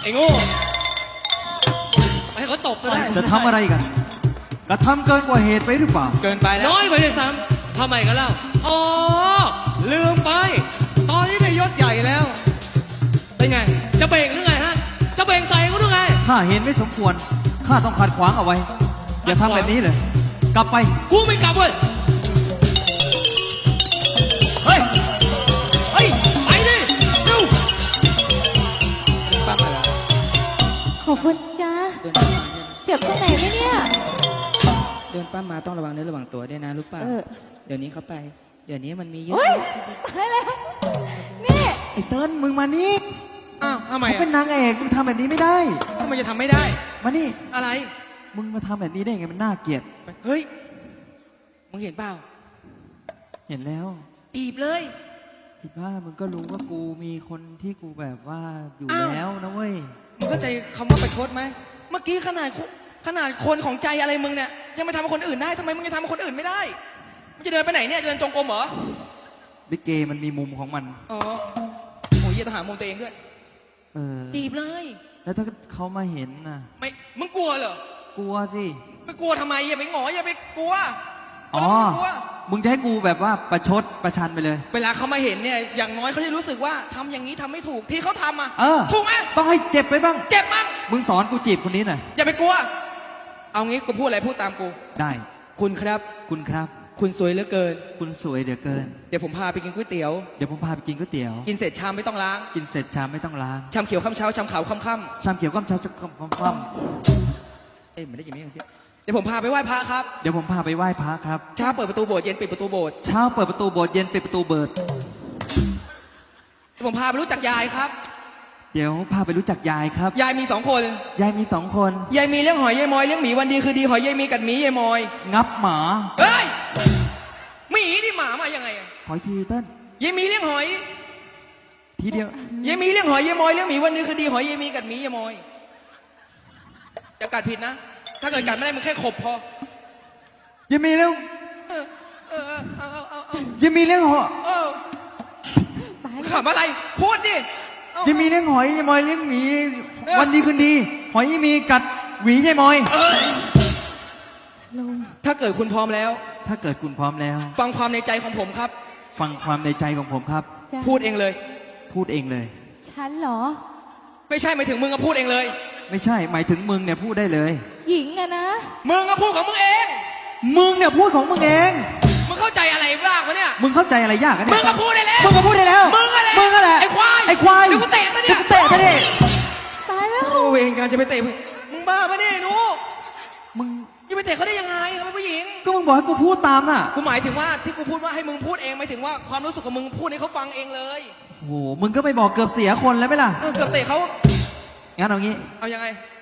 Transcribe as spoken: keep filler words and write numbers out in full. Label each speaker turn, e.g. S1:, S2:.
S1: อ้โง่ให้เขาตบก็ได้
S2: จะทำอะไรกันกระทำเกินกว่าเหตุไปหรือเปล่า
S1: เกินไปแล้วน้อยไปเลยซ้ำทำไมกันเล่าอ๋อลืมไป ตอนนี้ได้ยศใหญ่แล้วเป็นไงจะเบ่งหรือไงฮะจะเบ่งใส่กูหรือไง
S2: ข้าเห็นไม่สมควรข้าต้องขัดขวางเอาไว้อย่าทำแบบนี้เลยกลับไป
S1: กูไม่กลับเว้ยเฮ้ยเฮ้ยไปดิเร็วป้ามาแล้ว
S3: ขอบคุณจ้าเจ็บตรงไหนไหมเนี่ย
S4: เดินป้ามาต้องระวังเนื้อระวังตัวด้วยนะรู้ป่ะ
S3: เออ
S4: เดี๋ยวนี้เขาไป เดี๋ยวนี้มันมีเยอะ
S3: เฮ้ยตายแล้วนี่
S2: ไอ้เติ้ลมึงมานี่
S1: อ้าวทำไม
S2: เขาเป็นนางเอกมึงทำแบบนี้ไม่ได้
S1: ทำไมจะทำไม่ได้
S2: มานี่
S1: อะไร
S2: มึงมาทำแบบนี้ได้ไงมันน่าเกลียด
S1: เฮ้ยมึงเห็นเปล่า
S2: เห็นแล้ว
S1: ตีบเลย
S2: พี่บ้ามึงก็รู้ว่ากูมีคนที่กูแบบว่าอยู่
S1: อ้าว
S2: แล้วนะเว้ย
S1: มึงเข้าใจคำว่าประชดไหมเมื่อกี้ขนาดคนขนาดคนของใจอะไรมึงเนี่ยยังไปทำกับคนอื่นได้ทำไมมึงยังทำกับคนอื่นไม่ได้มึงจะเดินไปไหนเนี่ยเดินจงกรมเหรอ
S2: ลิเกมันมีมุมของมัน
S1: อ๋อโอ้ยต้องหามุมตัวเองด้วย
S2: เออ
S1: จีบเลย
S2: แล้วถ้าเขามาเห็นน่ะ
S1: ไม่มึงกลัวเหรอก
S2: ลัวสิ
S1: ไม่กลัวทำไมอย่าไปหงออย่าไปกลัว
S2: อ๋อ
S1: ไม่กลัว
S2: มึงจะให้กูแบบว่าประชดประชันไปเลย
S1: เวลาเขามาเห็นเนี่ยอย่างน้อยเขาจะรู้สึกว่าทำอย่างนี้ทำไม่ถูกที่เขาทำอ่ะ
S2: เออ
S1: ถูกไหม
S2: ต้องให้เจ็บไปบ้าง
S1: เจ็บมั้ง
S2: มึงสอนกูจีบคนนี้หน่อย
S1: อย่าไปกลัว เอางี้กูพูดอะไรพูดตามกู
S2: ได้
S1: คุณครับ
S2: คุณครับ
S1: คุณสวยเหลือเกิน
S2: คุณสวยเหลือเกิน
S1: เดี๋ยวผมพาไปกินก๋วยเตี๋ยว
S2: เดี๋ยวผมพาไปกินก๋วยเตี๋ยว
S1: กินเสร็จชามไม่ต้องล้าง
S2: กินเสร็จชามไม่ต้องล้าง
S1: ชามเขียวข้ามเช้าชามขาวข้ามค่
S2: ชามเขียวก้มเช้าจะก้มก้มก้ม
S1: ำเอ้ยไม่ได้ยินไม่ได้ยินเดี๋ยวผมพาไปไหว้พระครับ
S2: เดี๋ยวผมพาไปไหว้พระครับ
S1: เช้าเปิดประตูโบสถ์เย็นปิดประตูโบสถ์
S2: เช้าเปิดประตูโบสถ์เย็นปิดประตูเบิด
S1: เดี๋ยวผมพาไปรู้จักยายครับ
S2: เดี๋ยวพาไปรู้จักยายครับ
S1: ยายมีสองคน
S2: ยายมีสองคน
S1: ยายมีเลี้ยงหอยยายมอยเลี้ยงหมีวันดีคือดีหอยยายมีกัดหมียายมอย
S2: งับหมา
S1: เฮ้ยหมีนี่หมามายังไงอะ
S2: ขออีกทีเต้น
S1: ยายมีเลี้ยงหอย
S2: ทีเดียว
S1: ยายมีเลี้ยงหอยยายมอยเลี้ยงหมีวันดีคือดีหอยยายมีกัดหมียายมอยอย่ากัดผิดนะ ถ้าเกิดกัดไม่ได้มึงแค่ขบพอ
S2: ยังมีเรื่อง
S1: เออเออเอาเอาเอาเอา
S2: ยังมีเรื่องหอ
S1: เออ
S3: ตาย
S1: ขำอะไรพูดดิเอา
S2: ยังมีเรื่องหอยยายมอยเลี้ยงหมี
S1: เออ
S2: วันดีคืนดี หอยยังมีกัดหวียายมอย
S1: เออ
S3: ลง
S1: ถ้าเกิดคุณพร้อมแล้ว
S2: ถ้าเกิดคุณพร้อมแล้ว
S1: ฟังความในใจของผมครับ
S2: ฟังความในใจของผมครับ
S3: จ้า
S1: พูดเองเลย
S2: พูดเองเลย
S3: ฉันเหรอ
S1: ไม่ใช่หมายถึงมึงก็พูดเองเลย
S2: ไม่ใช่หมายถึงมึงเนี่ยพูดได้เลย
S3: หญิงอะนะ
S1: มึงก็พูดของมึงเอง
S2: มึงเนี่ยพูดของมึงเอง
S1: มึงเข้าใจอะไรบ้างวะเนี่ย
S2: มึงเข้าใจอะไรยากกัน
S1: มึ
S2: เนี่ย
S1: งก็พูดได้แล้ว
S2: มึงก็พูดได้แล้ว
S1: มึงก็แหละ
S2: มึงก็แหละ
S1: ไอ้ควาย
S2: ไอ้ควาย
S1: เดี๋ยวกูเตะซะเนี่ย
S2: เดี๋ยวกูเตะซะดิ
S3: ตายแล้ว
S1: โอ้เวรการจะไปเตะมึงมึงบ้าปะเนี่ยหนู
S2: มึง
S1: จะไปเตะเขาได้ยังไงเขาเป็นผู้หญิง
S2: ก็มึงบอกให้กูพูดตามน่ะ
S1: กูหมายถึงว่าที่กูพูดว่าให้มึงพูดเองหมายถึงว่าความรู้สึกของมึงพูดให้เขาฟังเองเลย
S2: โอ้โหมึงก็ไปบอกเกือบเสียคนแล้วไหมล่ะ
S1: เออเกือบเตะเขา
S2: งั้นเอางี้
S1: เอายังไง